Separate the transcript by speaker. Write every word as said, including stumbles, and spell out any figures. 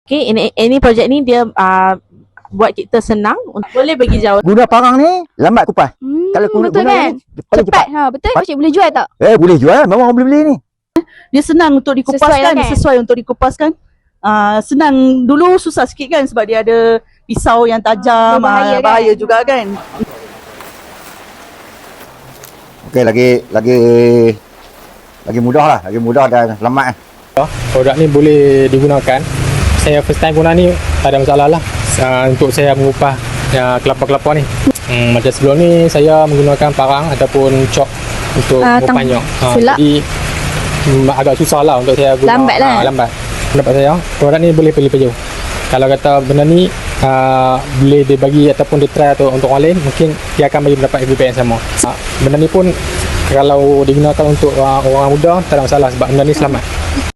Speaker 1: Okay, ini ini projek ni dia uh, buat kita senang. Boleh bagi jawab.
Speaker 2: Guna parang ni lambat kupas.
Speaker 3: Hmm,
Speaker 2: Kalau guna,
Speaker 3: betul
Speaker 2: guna
Speaker 3: kan?
Speaker 2: ni paling
Speaker 3: Cepat.
Speaker 2: cepat.
Speaker 3: Ha, betul.
Speaker 2: Cepat.
Speaker 3: Cik boleh jual tak?
Speaker 2: Eh boleh jual, memang orang boleh beli ni.
Speaker 4: Dia senang untuk
Speaker 3: Sesuai
Speaker 4: dikupaskan,
Speaker 3: lah kan?
Speaker 4: sesuai untuk dikupaskan. Uh, senang dulu susah sikit kan sebab dia ada pisau yang tajam,
Speaker 3: Berbahaya
Speaker 4: uh,
Speaker 3: kan?
Speaker 4: bahaya juga kan.
Speaker 2: Okey, lagi lagi lagi mudah lah, lagi mudah dan selamat.
Speaker 5: Produk ni boleh digunakan. Saya first time guna ni tak ada masalah lah uh, untuk saya mengupah uh, kelapa-kelapa ni. Hmm, macam sebelum ni saya menggunakan parang ataupun cok untuk
Speaker 3: Ah,
Speaker 5: mengupahnya. Uh,
Speaker 3: sulap.
Speaker 5: jadi um, agak susah lah untuk saya guna.
Speaker 3: Lambat lah.
Speaker 5: Uh, lambat. Pendapat saya, produk ni boleh pilih-pilih. Kalau kata benda ni uh, boleh dibagi ataupun ditry atau untuk orang lain, mungkin dia akan bagi mendapat feedback yang sama. Uh, benda ni pun kalau digunakan untuk uh, orang muda tak ada masalah sebab benda ni selamat.